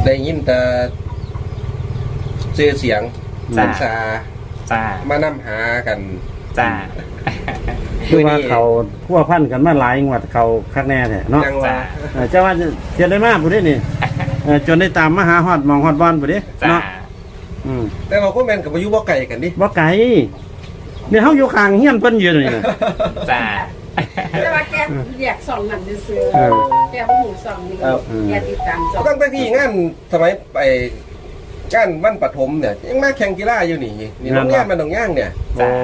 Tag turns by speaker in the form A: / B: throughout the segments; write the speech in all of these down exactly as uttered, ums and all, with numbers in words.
A: ได้ยินแต่เสียเสียงสันซา
B: จ้า
A: มานํหากัน
B: จ้า
C: คือว่าเขาพัวพันกันมาหลายงวดเขาคักแน่แท้เนาะ
B: จ้า
C: เจ้าว่าจะได้มากผู้นี้นี่จนได้ตามมาหาฮอดมองฮอดบอลผู้นี้เนาะอืม
A: แต่เราก็แม่นกับอายุบ่ไกลกันดิ
C: บ่ไกลเนี่ยเฮาอยู่ข้างเฮียนเพิ่นอยู่นี่นะ
B: จ้า
D: แต่ว่าแกเรียกสองนั่นซื่อแกบ่ฮู้สองนี่แกติดตามสอง
A: ตั้งแต่ที่งานสมัยไปงานวันปฐมเนี่ยยังมาแข่งกีฬาอยู่นี่นี่น้องย่านมันน้องย่างเนี่ย
C: โอ้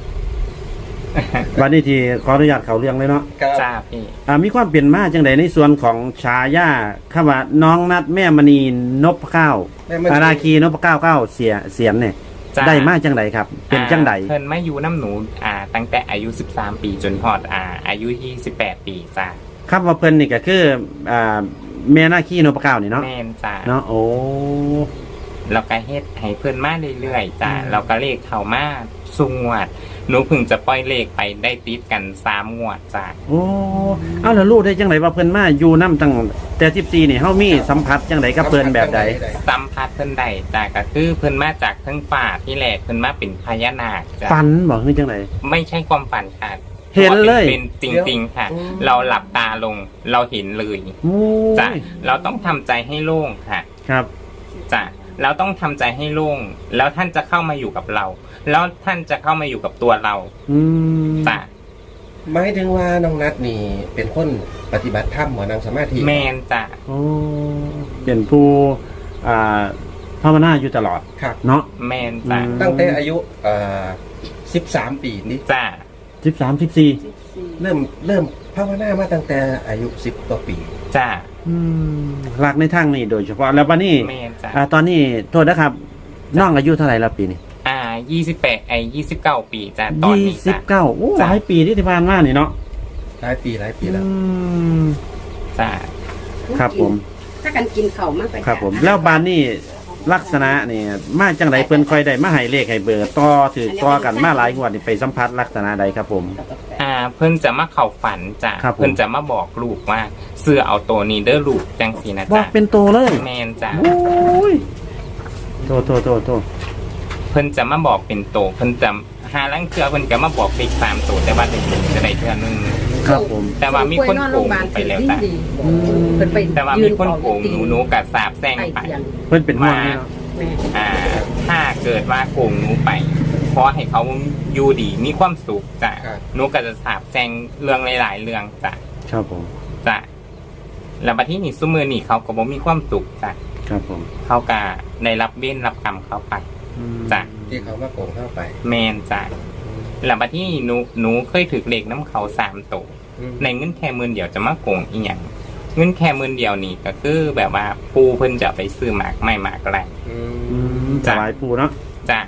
C: วันนี้ที่ขออนุญาตเข้าเรื่องเลยเนาะ
B: จ้าพี่
C: อ่ามีความเปลี่ยนมาจังไดในส่วนของฉายาคำว่าน้องนัดแม่มณีนพเก้าอาราคีนพเก้าเก้าเสียเสียนเนี่ยได้มาจังไดครับเป็นจังได
B: เพิ่นมาอยู่น้ำหนูอ่าตั้งแต่อายุสิบสามปีจนฮอดอ่าอายุยี่สิบแปดปีจ้า
C: ครับว่าเพิ่นนี่ก็คืออ่าแม่นาคีนพเก้านี่เนาะ
B: แม่นจ้า
C: เนาะโอ้
B: เราก็เฮ็ดให้เพิ่นมาเรื่อยๆจ้าเราก็เลขเข้ามาสุงวดหนูเพิ่งจะปล่อยเลขไปได้ติดกันสามงวดจ้า
C: โอ้เอาแล้วรู้ได้จังไดว่าเพิ่นมาอยู่นำตั้งแต่สิบสี่นี่เฮามีสัมผัสจังไดกับเพิ่นแบบใด
B: สัมผัสเพิ่นได้จ้าก็คือเพิ่นมาจากทั้งป่าที่แรกเพิ่นมาเป็นพญานาคจ้า
C: ฝันบ่คือจังได
B: ไม่ใช่ความฝันค่ะ
C: เห็นเลย
B: เป็นจริงๆค่ะเราหลับตาลงเราเห็นเลยจ้าเราต้องทำใจให้โล่งค่ะ
C: ครับ
B: จ้าเราต้องทำใจให้โล่งแล้วท่านจะเข้ามาอยู่กับเราแล้วท่านจะเข้ามาอยู่กับตัวเราจ้ะ
A: หมายถึงว่าน้องนัดนี่เป็นคนปฏิบัติธรรมหมอนั่งสมาธิ
B: แมนจ้ะ
C: โอ้เป็นผู้อ่าภาวนาอยู่ตลอด
A: ครับ
C: เนาะ
B: แมนจ้ะ
A: ตั้งแต่อายุอ่าสิบสามปีนี่
B: จ้ะ
C: สิบสามสิบสี่
A: เริ่มเริ่มภาวนามาตั้งแต่อายุสิบกว่าปี
B: จ้ะ
C: หลักในทางนี้โดยเฉพาะแล้ววันนี้ตอนนี้โทษนะครับน้องอายุเท่าไหร่แล้วปีนี้
B: อ่ายี่สิบแปดไอ้ยี่สิบเก้าปีจ้ะตอนนี้
C: ยี่สิบเก้าโอ้หลายปีที่ผ่านมานี่เนาะ
A: หลายปีหลายปีแล้ว
B: จ้ะ
C: ครับผม
D: ถ้ากันกินข้าวมากไป
C: ครับผมแล้วบ้านนี่ลักษณะนี่มาจังไดเพิ่นค่อยได้มาให้เลขให้เบอร์ต่อถือต่อกันมาหลายงวดนี่ไปสัมผัสลักษณะใดครับผม
B: อ่าเพิ่นจะมาเข้าฝันจ้ะเพิ่นจะมาบอกลูกว่าเสื้อเอาตัวนี้เด้อลูกจังซี่นะจ๊ะ
C: บอกเป็นตัวเลย
B: แม่นจ้ะ
C: โอ้ยโตโตโตโต
B: เพิ่นจะมาบอกเป็นโตเพิ่นจะหาลังเทื่อเพิ่นก็มาบอกเลขสามโตแต่ว่าได้จะได้เทื่อนึง
C: ครับผม
B: แต่ว่ามีคนโกงไปแล้วจ้ะแต่ว่ามีคนโกงหนูหนูกับสาบแซงไป
C: เพิ่นเป็นห่วงนี่เนาะ
B: อ่าถ้าเกิดว่าโกงหนูไปเพราะให้เขาอยู่ดีมีความสุขจ้ะหนูก็จะสาบแซงเรื่องหลายๆเรื่องจ้ะ
C: ครับผม
B: จ้ะแล้วบัดนี้นี่ซุมื้อนี่เขาก็บ่มีความสุขจ้ะ
C: ครับผม
B: เขาก็ได้รับเวรรับกรรมเขาไปจ้ะ
A: ที่เขามาโกงเข้าไป
B: แม่นจ้ะแล้วบัดนี้หนูหนูเคยถูกเลขน้ำเขาสามโตในเงินแค่หมื่นเดียวจะมาโกงอีหยังเงินแค่หมื่นเดียวนี่ก็คือแบบว่าปูเพิ่นจะไปซื้อหมากไม่หมากอะไร
C: จะหลายปูเนาะ
B: จ้ะ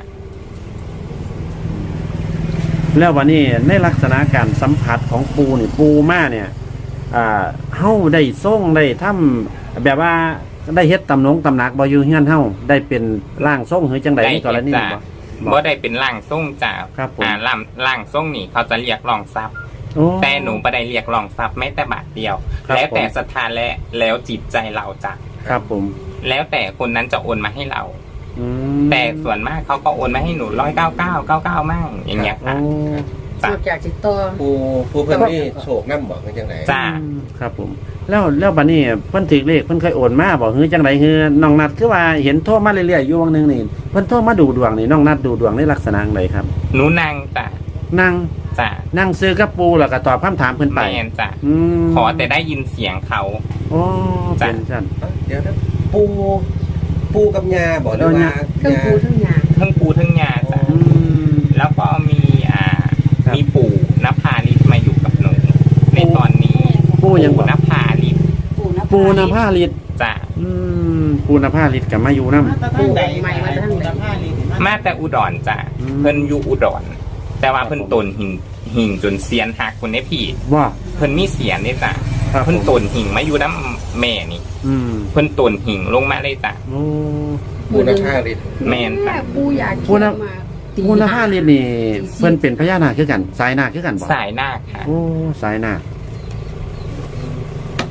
C: แล้ววันนี้ในลักษณะการสัมผัสของปูนี่ปูมาเนี่ยอ่าเฮาได้ส่งได้ทำแบบว่าได้เฮ็ดตำหนงตำหนักบ่อยู่เฮือนเฮาได้เป็นร่างทรงหรือจังได๋ในกรณีบ่
B: บ่ได้เป็นร่างทรงจ้ะอ่าร่างร่างทรงนี่เขาจะเรียกรองทรัพย์แต่หนูบ่ได้เรียกรองทรัพย์แม้แต่บาทเดียวแล้วแต่ศรัทธาและแล้วจิตใจเราจ้ะ
C: ครับผม
B: แล้วแต่คนนั้นจะโอนมาให้เราแต่ส่วนมากเขาก็โอนมาให้หนูร้อยเก้าเก้าเก้าเก้ามั่งอย่างเงี้ยค่ะ
D: สุดจากจิตตัว
A: ผู้ผู้เพิ่นนี่โชคน้ำบอกจังได๋
B: จ้า
C: ครับผมแล้วแล้วบัดนี้เพิ่นถือเลขเพิ่นเคยโอนมาบ่ฮือจังได๋ฮือน้องนัดคือว่าเห็นโทรมาเรื่อยๆอยู่วงนึงนี่เพิ่นโทรมาดูดวงนี่น้องนัดดูดวงในลักษณะใดครับ
B: หนูนั่งจ้ะ
C: นั่ง
B: จ้ะ
C: นั่งซื้อกับปูแล้วก็ตอบคำถามเพิ่นไป
B: แม่นจ้ะขอแต่ได้ยินเสียงเขา
C: อ๋อเป็นซั่น
A: เดี๋ยวนะปูปูกับยาบ่หรือว่า
D: ทั้งปูทั้งยา
B: ทั้งปูทั้งยาจ้ะแล้วก็มีอ่ามีปู่นภาลิศมาอยู่กับหนูในตอนนี้
C: ปู่ยัง
B: นภาลิศ
C: ปู่นภาลิศ
B: จ้ะ
C: อืมปู่นภาลิศกับมาอยู่นำ
D: ปู่ใหม่มาทั้งนภาลิศ
B: มาแต่อุดรจ้ะเพิ่นอยู่อุดรแต่ว่าเพิ่นตนหิงหิงจนเสียนหักคนนี้พี่
C: ว่า
B: เพิ่นมีเสียนนี่จ้ะเพิ่นตนหิงมาอยู่น้ำแม่นี่เพิ่นตนหิงลงมาเลยจ้ะ
A: ปู่นภาลิศ
B: แม่นจ้ะ
D: ปู่อยาก
C: ปู่นปู่นภาลิศนี่เพิ่นเป็นพญานาคคือกันสายนาคคือกันบ่
B: สายนาคค่ะ
C: โอ้สายนาค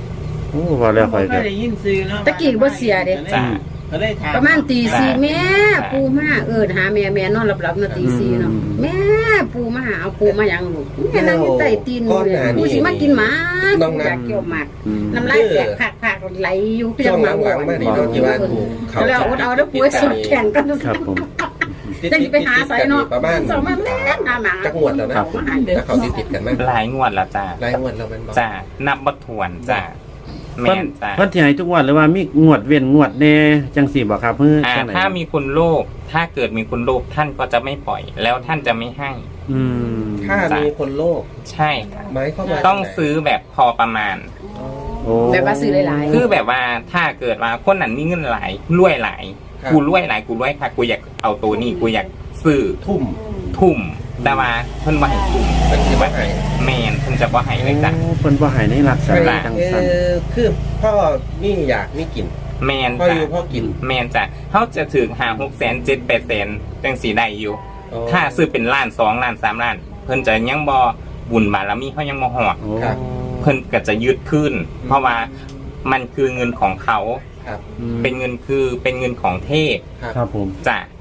C: โอ้ว่าแล้วค่อย
E: ก็
C: ก็
E: ได้ยินซื้อเนาะ
D: ตะกี้บ่เสียเด้
B: จ้ะ
E: ก็เลยถาม
D: ประมาณตีสี่แม่ปูมาเอิ้นหาแม่แม่นอนหลับๆนาตีสี่เนาะแม่ปูมาหาเอาปูมาหยังลูกแม่นั่งอยู่ใต้ตีนปูสิมากินหมาอยากเกี่ยวหมาก
C: อืม
D: น้ำลายแตกผักๆไหลอยู่
A: ช่วงหลังๆมานี่เนาะที่ว่าถูกเขา
D: แล้วอดเอาแล้วปูสดแข่งกัน
C: ครับผม
D: จะไปหาใส่เนาะ
A: ประมาณ
D: สองมาแม่หาหมา
A: จักงวดแล้วนะ
C: ครับ
A: ถ้าเขาติดๆกันมั้ย
B: หลายงวดแล้วจ้ะ
A: รายงวดแล้วมันบ่
B: จ้ะนับบ่ถ้วนจ้ะแม่
C: เพิ่น
B: นจ้ะ
C: เพิ่นสิให้ทุกงวดหรือว่ามีงวดเว้นงวดแน่จังซี่บ่ครับเพิ่น
B: อ่า
C: จังไหน
B: ถ้ามีคุณโลภถ้าเกิดมีคุณโลภท่านก็จะไม่ปล่อย แล้วท่านจะไม่ให้
C: อืม
A: ถ้ามีคนโลภ
B: ใช่ค่ะ
A: หมายความว่า
B: ต้องซื้อแบบพอประมาณ
C: โอ้
D: แบบว่าซื้อหลาย
B: คือแบบว่าถ้าเกิดว่าคนนั้นมีเงินหลายรวยหลายกูรวยหลายกูรวยค่ะกูอยากเอาตัวนี้กูอยากซื้อ
A: ทุ่ม
B: ทุ่มแต่ว่าเพิ่นบ่ให้ทุ่ม
A: เป็นสิบ่ให้
B: แม่นเพิ่นจะบ่ให้เลยจ้ะ
C: โอ้เพิ่นบ่ให้ในลักษ
A: เอ
C: ณะจังซั่น
A: อคือพ่อนี่อยากมีกิน
B: แม่น
A: พ่ออ
B: จ้ะ
A: ยู่พ่อกิน
B: แม่นจ้ะเขาจะถึงหาหกแสนเจ็ดแปดแสนจังสีได้อยู่ ถ้าซื้อเป็นล้านสองล้านสามล้าน เพิ่นจะยังบ่บุญบารมีเขายังบ่ฮอด
C: โอ้
A: ครับ
B: เพิ่นก็จะยึดขึ้น เพราะว่ามันคือเงินของเขา
A: ครับ
C: อืม
B: เป็นเงินคือเป็นเงินของเทพ
A: ครับ
C: ครับผม
B: จ้ะ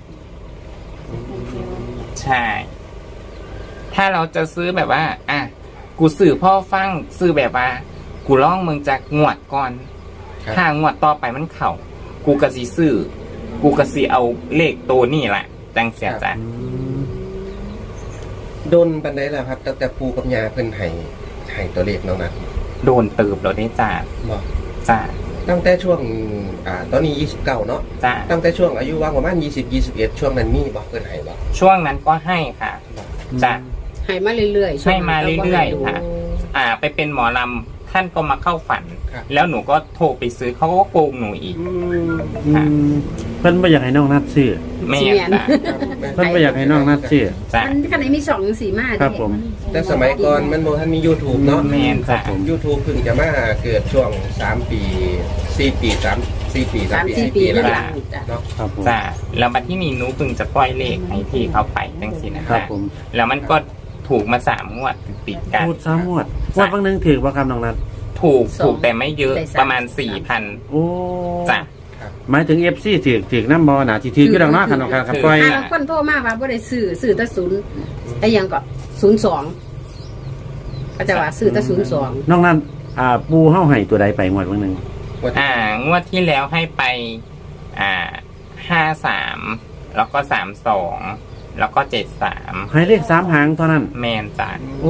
B: ใช่ ถ้าเราจะซื้อแบบว่า อ่ะกูซื้อพ่อฟังซื้อแบบว่า กูล่องเมืองจากงวดก่อน
A: ครับ
B: ถ้างวดต่อไปมันเข่า กูกะสิซื้อ กูกะสิเอาเลขตัวนี่แหละจังเสียจ้ะ
C: อืม
A: โดนปันไดแล้วครับตั้งแต่ปูกับยาเพิ่นให้ให้ตัวเลขน้องนัท
B: โดนตืบแล้วได้จ้ะ
A: บอก
B: จ้ะ
A: ตั้งแต่ช่วงอ่าตอนนี้ยี่สิบเก้าเนาะ
B: จ้ะ
A: ตั้งแต่ช่วงอายุว่างประมาณยี่สิบ ยี่สิบเอ็ดช่วงนั้นมีบอกเพิ่นให้บอก
B: ช่วงนั้นก็ให้ค่ะ จ้ะ
D: ๆให้มาเรื่อยๆ
B: ให้มาเรื่อยๆค่ะ อ่า ไปเป็นหมอลำท่านก็มาเข้าฝัน
A: ครับ
B: แล้วหนูก็โทรไปซื้อเขาก็โกงหนูอีก
A: อืม
C: อืมเพิ่นบ่อยากให้น้องนัดซื้อ
B: แม่นจ้ะ
C: เพิ่นบ่อยากให้น้องนัดซื้อ
B: จ้ะ
D: มันขนาดมีสองสีมา
C: ครับผม
A: แต่สมัยก่อนมันบ่ทันมี YouTube เนาะ
B: แม่นจ้ะ
A: YouTube เพิ่งจะมาเกิดช่วงสามปีสี่ปีสามสี่ปีสา
D: สาม ม
A: ปี
D: สี่
A: สี่
D: ปี
A: ปี
D: แล้
A: แล้ว ว
D: หลังจ้ะ
A: เนาะ
C: ครับผม
B: จ้ะแล้วบัดที่นี่หนูเพิ่งจะปล่อยเลขให้พี่เขาไปจังสินะ
C: ครั
B: คะ
C: บผม
B: แล้วมันก็ถูกมาสามงวดติดกัน
C: พูดซ้ำงวดงวดบางหนึงถือบ่ครับน้องนัด
B: ถูกถูกแต่ไม่เยอะประมาณสี่พัน
C: โอ้
B: จ้ะ
C: หมายถึง เอฟ ซี ถือถือน้ำบ่น่ะสิถืออยู่ดอกเนาะคันคันคันปล่อย
D: อ่าบางคนโทรมาว่าบ่ได้ซื้อซื้อแต่ศูนย์ไอ้หยังก็ศูนย์สองก็จะว่าซื้อแต่ศูนย์สอง
C: น้องนัดอ่าปูเฮาให้ตัวใดไปงวดบางหนึง
B: อ่างวดที่แล้วให้ไป อ่าห้าสามแล้วก็สามสองแล้วก็เจ็ดสาม
C: ให้เลขสามหางเท่านั้น
B: แมนจ้ะ
C: โอ้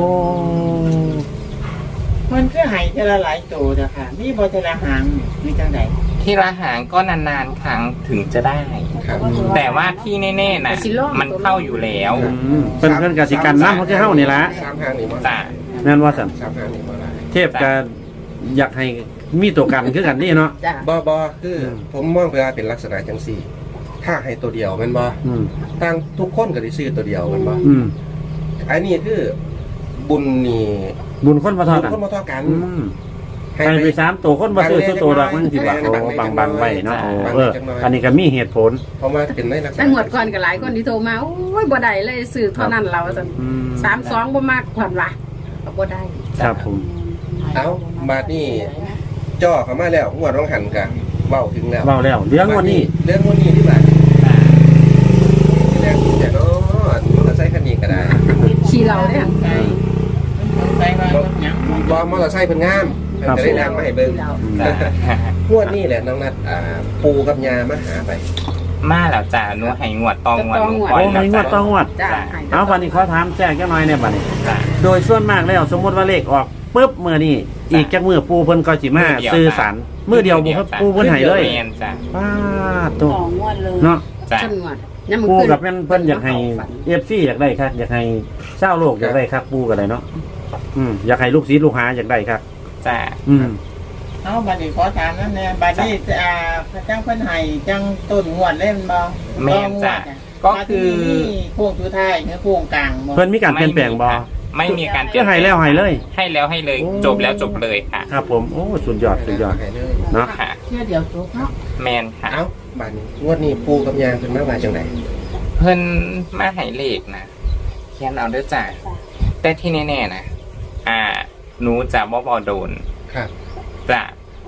E: มันก็ใหายเทละหลายโตจ้ะค่ะมีบ่เทละหางมีจังได
B: ที่ละหางก็นานๆครั้งถึงจะได้
A: ครับ
B: แต่ว่าที่แน่ๆนะมันเข้าอยู่แล้ว
C: อืมเพิ่นเพิ่นก็สิกันนำเขาคือเฮานี่ล่ะ
A: สามทางนี่บ่
B: จ้ะ
C: แม่นว่าซั่น
A: สามทางนี่บ่ได้
C: เทพก็อยากให้มีตัวกันคือกันนี่เนาะ
D: จ้ะ
A: บ่บ่คือผมมองไปว่าเป็นลักษณะจังซี่ ถ้าให้ตัวเดียวแม่นบ่
C: อืม
A: ทางทุกคนก็ได้ซื้อตัวเดียวแม่นบ่
C: อืม
A: อันนี้คือบุญนี่
C: บุญคนบ่เท่ากัน
A: คนบ่เท่ากัน
C: อืมให้ไปสามตัวคนบ่ซื้อซื้อตัวดอกมันสิบาทโอ้บางบางไว้เนาะโอ้เอออันนี้ก็มีเหตุผล
A: เพราะว่าเป็นในลักษณะ
D: แต่งวดก่อนก็หลายคนที่โทรมาโอ้ยบ่ได้เลยซื้อเท่านั้นเราซั่น
C: อืม
D: สามสองบ่มากกว่าว่ะก็บ่ได้
C: ครับผม
A: เอ้าบาดนี้จ่อเข้ามาแล้วงวดร้องหันกะเว้าถึงแล้ว
C: เว้าแล้วเรื่องวันนี้
A: เรื่องวันนี้ที่บาดเรื่องแต่เนาะมอเตอร์ไซค์คันนี้ก็ได้
D: ขี่เราเนี่ย
E: ใช่มันสงสัยว่าหยัง
A: บ่มอเตอร์ไซค์เพิ่นงามเพิ่นก็ได้แรงมาให้เบิ่ง
B: จ้ะ
A: งวดนี้แหละน้องนัดอ่าปูกับยามาหาไป
B: มาแล้วจ้ะหนูให้งวดตองงวดหนูปล่
C: โอ้
B: อย
C: ใน
B: แล้ว
C: งวด
B: จ้ะ
C: ต่องวด
D: จ้ะ
C: เอาวันนี้ขอถามแจ้งจักหน่อยเนี่ยบัดนี้
B: จ้ะ
C: โดยส่วนมากแล้วสมมุติว่าเลขออกปุ๊บมื้อนี้อีกจักมื้อปูเพิ่นก็สิมาซื้อสารมื้อเดียวบ่ครับปูเพิ่นให้เลย
B: แมนจ้ะ
C: ป้าดตัว
E: สองงวดเลย
C: เนาะ
B: จ้ะ
D: จังหวัดยามมื้อ
C: ปู
D: คืน
C: กับแม่นเพิ่นอยากให้ เอฟ ซี อยากได้ครับอยากให้ชาวโลกอยากได้ครับปูก็ได้เนาะอืมอยากให้ลูกศิษย์ลูกหาอยากได้ครับ
B: จ้ะ
C: อืม
E: เอาบัดนี้ขอถามนั่นแน่บัดนี้อ่าพระเจ้าเพิ่นให้จังต้นงวดเล่นบ่
B: แม่นจ้ะก็คือ
E: นี่โค้งสุดท้ายคือโค้งกลางบ่
C: เพิ่นมีการเปลี่ยนแปลงบ่
B: ไม่มีการ
C: ก็ให้แล้วให้เลย
B: ให้แล้วให้เลย
C: โอ้
B: จบแล้วจบเลยค่ะ
C: ครับผมโอ้สุดยอดสุดยอด
A: ให้เลย
C: เนาะ
B: ค่ะ
E: เชื่อเดียวจบเนาะ
B: แมนค่ะ
A: เอ้าบาดนี้งวดนี้ปูกับยาเพิ่นมาว่าจังได๋
B: เพิ่นมาให้เลขนะเขียนเอาเด้อจ้ะแต่ที่แน่ๆนะอ่า หนูจะบ่บ่โดน
A: ครับ
B: จ้ะ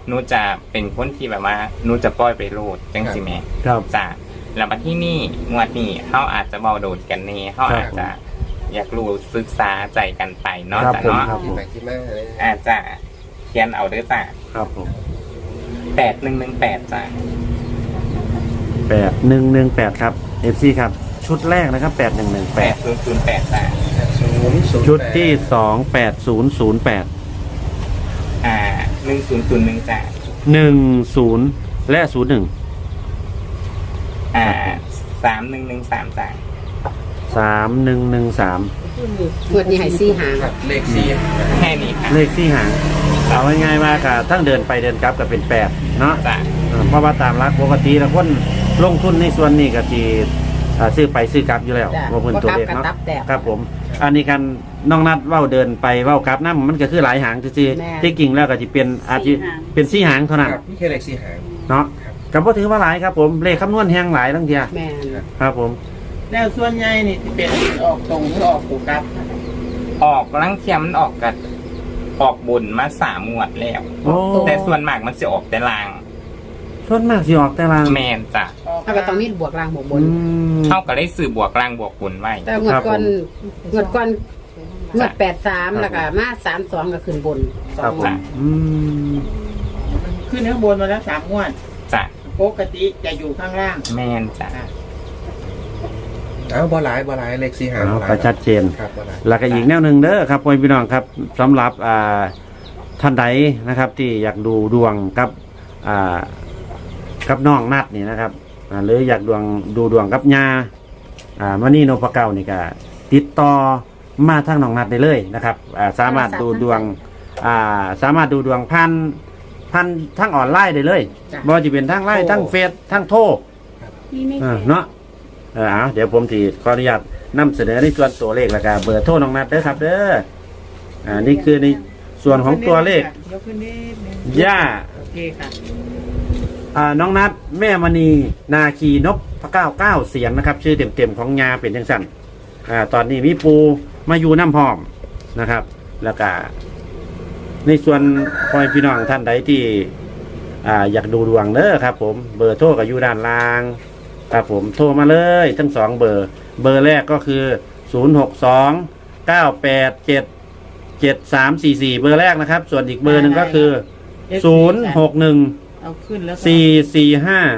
B: หนูจะเป็นคนที่แบบว่าหนูจะปล่อยไปโลดจังสิแม่
C: ครับ
B: จ้ะแล้วมาที่นี่งวดนี้เขาอาจจะเบาโดดกันเน่เขาอาจจะอยากรู้ศึกษาใจกันไปเนาะ
C: ครับ
B: จ้ะ
C: ผม
B: เนาะ
C: ครับผม
A: ไปคิดมากเลย
B: อาจจะเขียนเอาเด้อจ้ะ
C: ครับผม
B: แปดหนึ่งหนึ่งแปดจ้ะ
C: แปดหนึ่งหนึ่งแปดครับเอฟซีครับชุดแรกนะครับแปดหนึ่งหนึ่ง
B: แป
C: แป
B: ด
C: ด
B: ศูนย์ศูนย์แปดจ้ะ
A: ศูนย์ศูนย์
C: ชุดที่สองแปดศูนย์ศูนย์แปด
B: อ่าหนึ่งศูนย์ศูนย์หนึ่งจ้ะ
C: หนึ่งศูนย์และศูนย์หนึ่ง
B: อ่าสามหนึ่งหนึ่งสามจ้ะ
C: สามหนึ่งหนึ่งสาม
D: งวดนี้ให้สี่หาง
A: ครับเลขสี่
B: แค่นี้ค่ะ
C: เลขที่หางเอาง่ายๆว่าค่ะทั้งเดินไปเดินกลับก็เป็นแปดเนาะ
B: จ้ะ
C: อ่าเพราะว่าตามรักปกติแล้วคนลงทุนในส่วนนี้ก็ทีซื้อไปซื้อกลับอยู่แล้ว
D: จ้ะ
C: ว่าเพิ่น
D: บ่
C: ตัว
D: กลับ
C: เลข
D: กัน
C: เนาะ
D: ตับแตก
C: ครับผม อันนี้กันน้องนัดเว้าเดินไปเว้ากลับน้ำมันก็คือหลายหางซื่อ
D: แม่
C: ๆที่จริงแล้วก็จะเป็นอาจจะเป็นสี่หางเท่านั้น
A: ครับนี่แค่เลขสี่หาง
C: เนาะก็บ่ถือว่าหลายครับผมเลขคำนวณแฮงหลายทั้งเทีย
D: แม่น
C: ครับผม
E: แล้วส่วนใหญ่นี่สิเป็นออกตรงหรือออกตัวกลับ
B: ออกลังเทียมมันออกกันออกบุญมาสามงวดแล้ว
C: โอ้
B: แต่ส่วนมากมันจะออกแต่ลาง
C: ส่วนมากสิออกแต่ลาง
B: แมนจ้ะ
E: ออก
D: ถ้าก็ต้องมีบวกล่างบวกบน
C: อืม
B: เท่ากับได้สื่อบวกลางบวกบุญไว้
D: แต่งวดก่อนงวดก่อนงวดแปดสาม
C: ครับ
D: แล้วก็มาสามสองก็ขึ้นบนส
C: ครั
D: อบ ง
C: ผม
D: งวด
C: อืม
E: ขึ้นข้างบนมาแล้วสามงวด
B: จ้ะ
E: ปกติจะอยู่ข้างล่าง
B: แมนจ้ะ
A: เอ้าบ่หลายบ่หลายเลขสี่หาง
C: เอา
A: บ่หลาย
C: ก็ชัดเจน
A: ครับบ่หลาย
C: แล้วก็อีกแนวหนึ่งเด้อครับพ่อพี่น้องครับสำหรับอ่าท่านใดนะครับ ที่อยากดูดวงกับอ่ากับน้องนัดนี่นะครับอ่าหรืออยากดวงดูดวงกับยาอ่ามณีโนพเก้านี่ก็ติดต่อมาทางน้องนัดได้เลยนะครับอ่าสามารถดูดวงอ่าสามารถดูดวงพันพันทั้งออนไลน์ได้เลยบ่ว่าจะเป็นทั้งไลน์ทั้งเฟซทั้งโทร อ่าเนาะเออเอาเดี๋ยวผมทีขออนุญาตนำเสนอในส่วนตัวเลขแล้วก็เบอร์โทรน้องนัดเด้อครับเด้ออ่านี่คือในส่วนของตัวเลข
E: ยกขึ้นนิดนึง
C: ย่า
E: โอเคค่ะ
C: อ่าน้องนัดแม่มณีนาคีนพพระเก้าเก้าเสียงนะครับ ชื่อเต็มๆของยาเป็นจังสั่นอ่าตอนนี้มีปูมาอยู่น้ำพร้อมนะครับ แล้วก็ในส่วนพ่อแม่พี่น้องท่านใดที่อ่าอยากดูดวงเด้อครับ ผมเบอร์โทรก็อยู่ด้านล่างครับผมโทรมาเลยทั้งสองเบอร์ เบอร์แรกก็คือศูนย์หกสองเก้าแปดเจ็ดเจ็ดสามสี่สี่เบอร์แรกนะครับ ส่วนอีกเบอร์หนึ่งก็คือศูนย์หกหนึ่ง
E: เอาขึ้นแล้วก็
C: สี่สี่ห้า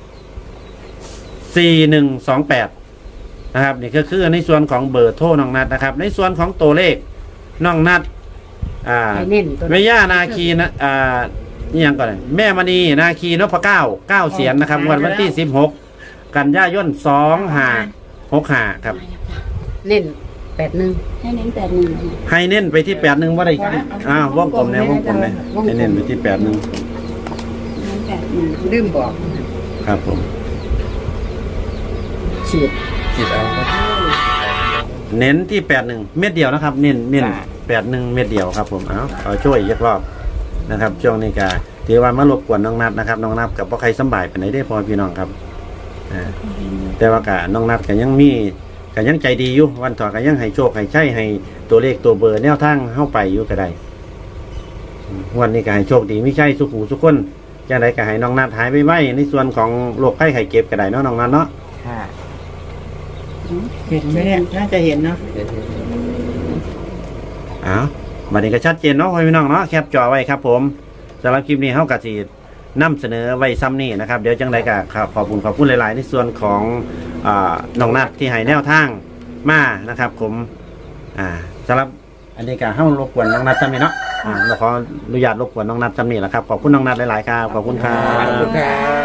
C: สี่หนึ่งสองแปดนะครับนี่ก็คือในส่วนของเบอร์โทรน้องนัดนะครับ ในส่วนของตัวเลขน้องนัดอ่า
D: ให้เน้นตัว
C: แม่ย่านาคีนะอ่านี่ยังก่อนเลยแม่มณีนาคีนพเก้าเก้าเสียนนะครับวันวันที่สิบหกกันยายนสองห้าหกห้าครับ
D: เน้นแปดหนึ่ง
F: ให้เน้นแปดหนึ่ง
C: ให้เน้นไปที่แปดหนึ่งว่าได้อ้าววงกลมเนี่ยวงกลมเลยให้เน้นไปที่แปดหนึ่ง
F: เน้นแปดหนึ่ง
D: ลืมบอก
C: ครับผม
D: ฉีด
A: คิดเอาครับ
C: เน้นที่แปดหนึ่งเม็ดเดียวนะครับ เน้นเน้นแปดหนึ่งเม็ดเดียวครับผมเอาเอาช่วยอีกรอบนะครับช่วงนี้ก็ถือว่ามารบกวนน้องนัดนะครับน้องนัดกับพ่อใครสำบายไปไหนได้พอพี่น้องครับอ่าแต่ว่ากะน้องนัดก็ยังมีก็ยังใจดีอยู่วันต่อก็ยังให้โชคให้ใช้ให้ตัวเลขตัวเบอร์แนวทางเข้าไปอยู่ก็ได้อืมวันนี้ก็ให้โชคดีไม่ใช่สุขูสุขคนจะได้ก็ให้น้องนัดหายไปไว้ในส่วนของโรคไข้ไข้เก็บก็ได้เนาะน้องนัดเนาะ
B: ค่ะ
E: เห็นไหมเนี่ยน่าจะเห็นเนาะ
C: อ้าวบัดนี้ก็ชัดเจนเนาะพี่น้องเนาะแคปจอไว้ครับผมสำหรับคลิปนี้เฮาก็สินำเสนอไว้ซ้ำนี่นะครับเดี๋ยวจังไดก็ครับขอบคุณขอบคุณหลายๆในส่วนของอ่าน้องนัดที่ให้แนวทางมานะครับ ผมอ่าสำหรับอันนี้ก็เฮารบกวนน้องนัดซ้ำนี่เนาะอ่าเราขออนุญาตรบกวนน้องนัดซ้ำนี่แหละครับขอบคุณน้องนัดหลายๆครับขอบคุณครั
A: ขอบบ คุณครับ